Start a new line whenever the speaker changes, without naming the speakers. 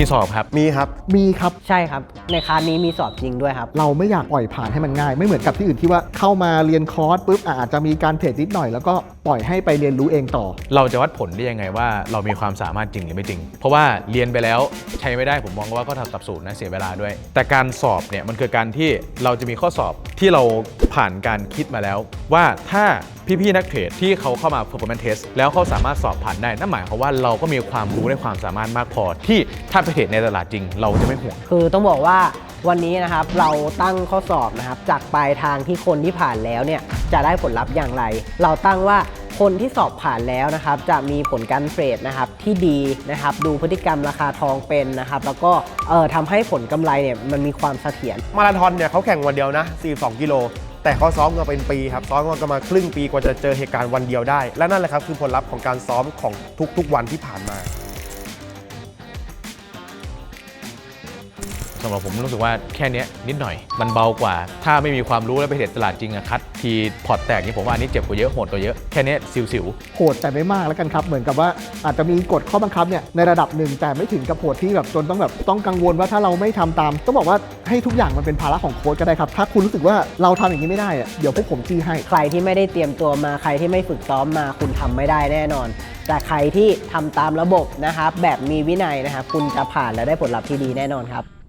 มีสอบครับ
มีครับ
ใช่ครับในคลาสนี้มีสอบจริงด้วยครับ
เราไม่อยากปล่อยผ่านให้มันง่ายไม่เหมือนกับที่อื่นที่ว่าเข้ามาเรียนคอร์สปุ๊บอาจจะมีการเทรดนิดหน่อยแล้วก็ปล่อยให้ไปเรียนรู้เองต่อ
เราจะวัดผลได้ยังไงว่าเรามีความสามารถจริงหรือไม่จริงเพราะว่าเรียนไปแล้วใช้ไม่ได้ผมมองว่าก็ทำสับสูตรนะเสียเวลาด้วยแต่การสอบเนี่ยมันคือการที่เราจะมีข้อสอบที่เราผ่านการคิดมาแล้วว่าถ้าพี่ๆนักเทรดที่เขาเข้ามา performance test แล้วเขาสามารถสอบผ่านได้นั่นหมายความว่าเราก็มีความรู้และความสามารถมากพอที่ถ้าไปเทรดในตลาดจริงเราจะไม่ห่วง
คือต้องบอกว่าวันนี้นะครับเราตั้งข้อสอบนะครับจากปลายทางที่คนที่ผ่านแล้วเนี่ยจะได้ผลลัพธ์อย่างไรเราตั้งว่าคนที่สอบผ่านแล้วนะครับจะมีผลการเทรดนะครับที่ดีนะครับดูพฤติกรรมราคาทองเป็นนะครับแล้วก็ทำให้ผลกำไรเนี่ยมันมีความเสถียร
มาราธอนเนี่ยเขาแข่งวันเดียวนะ42 กิโลแต่เขาซ้อมกันเป็นปีครับซ้อมกันมาครึ่งปีกว่าจะเจอเหตุการณ์วันเดียวได้และนั่นแหละครับคือผลลัพธ์ของการซ้อมของทุกๆวันที่ผ่านมา
สำหรับผมรู้สึกว่าแค่นี้นิดหน่อยมันเบากว่าถ้าไม่มีความรู้แล้วไปเทรดตลาดจริงอะคัดทีพอร์ตแตกนี่ผมว่าอันนี้เจ็บกว่าเยอะโหดกว่าเยอะแค่นี้สิว
โหดแต่ไม่มากแล้วกันครับเหมือนกับว่าอาจจะมีกฎข้อบังคับเนี่ยในระดับหนึ่งแต่ไม่ถึงกับโหดที่แบบจนต้องกังวลว่าถ้าเราไม่ทำตามต้องบอกว่าให้ทุกอย่างมันเป็นภาระของโค้ชก็ได้ครับถ้าคุณรู้สึกว่าเราทำอย่างนี้ไม่ได้อะเดี๋ยวพวกผมจี้ให้
ใครที่ไม่ได้เตรียมตัวมาใครที่ไม่ฝึกซ้อมมาคุณทำไม่ได้แน่นอนแต่ใครที่ทำตามระบบนะครับแบบมีวินัยนะครับคุณจะผ่านและได้ผลลัพธ์ที่ดีแน่นอนครับ